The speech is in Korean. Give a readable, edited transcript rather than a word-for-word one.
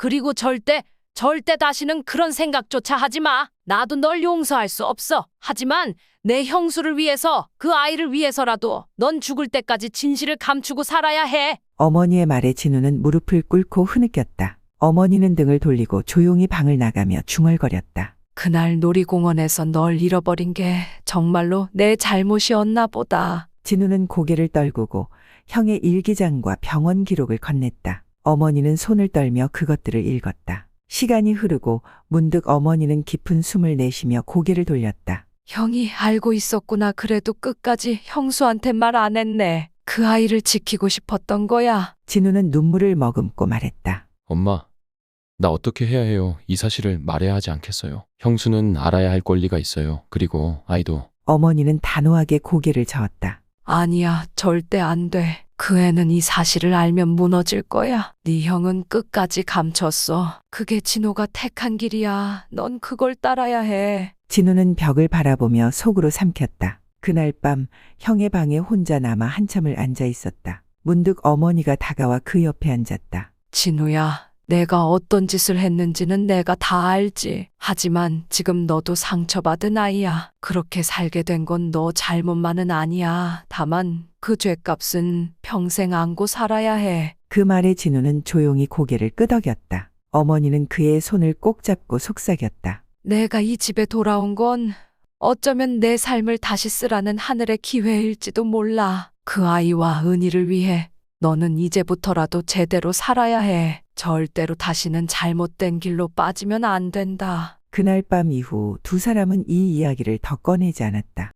그리고 절대 다시는 그런 생각조차 하지 마. 나도 널 용서할 수 없어. 하지만 내 형수를 위해서, 그 아이를 위해서라도 넌 죽을 때까지 진실을 감추고 살아야 해. 어머니의 말에 진우는 무릎을 꿇고 흐느꼈다. 어머니는 등을 돌리고 조용히 방을 나가며 중얼거렸다. 그날 놀이공원에서 널 잃어버린 게 정말로 내 잘못이었나 보다. 진우는 고개를 떨구고 형의 일기장과 병원 기록을 건넸다. 어머니는 손을 떨며 그것들을 읽었다. 시간이 흐르고 문득 어머니는 깊은 숨을 내쉬며 고개를 돌렸다. 형이 알고 있었구나. 그래도 끝까지 형수한테 말 안 했네. 그 아이를 지키고 싶었던 거야. 진우는 눈물을 머금고 말했다. 엄마, 나 어떻게 해야 해요? 이 사실을 말해야 하지 않겠어요? 형수는 알아야 할 권리가 있어요. 그리고 아이도. 어머니는 단호하게 고개를 저었다. 아니야, 절대 안 돼. 그 애는 이 사실을 알면 무너질 거야. 네 형은 끝까지 감췄어. 그게 진호가 택한 길이야. 넌 그걸 따라야 해. 진우는 벽을 바라보며 속으로 삼켰다. 그날 밤 형의 방에 혼자 남아 한참을 앉아 있었다. 문득 어머니가 다가와 그 옆에 앉았다. 진우야, 내가 어떤 짓을 했는지는 내가 다 알지. 하지만 지금 너도 상처받은 아이야. 그렇게 살게 된 건 너 잘못만은 아니야. 다만 그 죗값은 평생 안고 살아야 해. 그 말에 진우는 조용히 고개를 끄덕였다. 어머니는 그의 손을 꼭 잡고 속삭였다. 내가 이 집에 돌아온 건 어쩌면 내 삶을 다시 쓰라는 하늘의 기회일지도 몰라. 그 아이와 은희를 위해 너는 이제부터라도 제대로 살아야 해. 절대로 다시는 잘못된 길로 빠지면 안 된다. 그날 밤 이후 두 사람은 이 이야기를 더 꺼내지 않았다.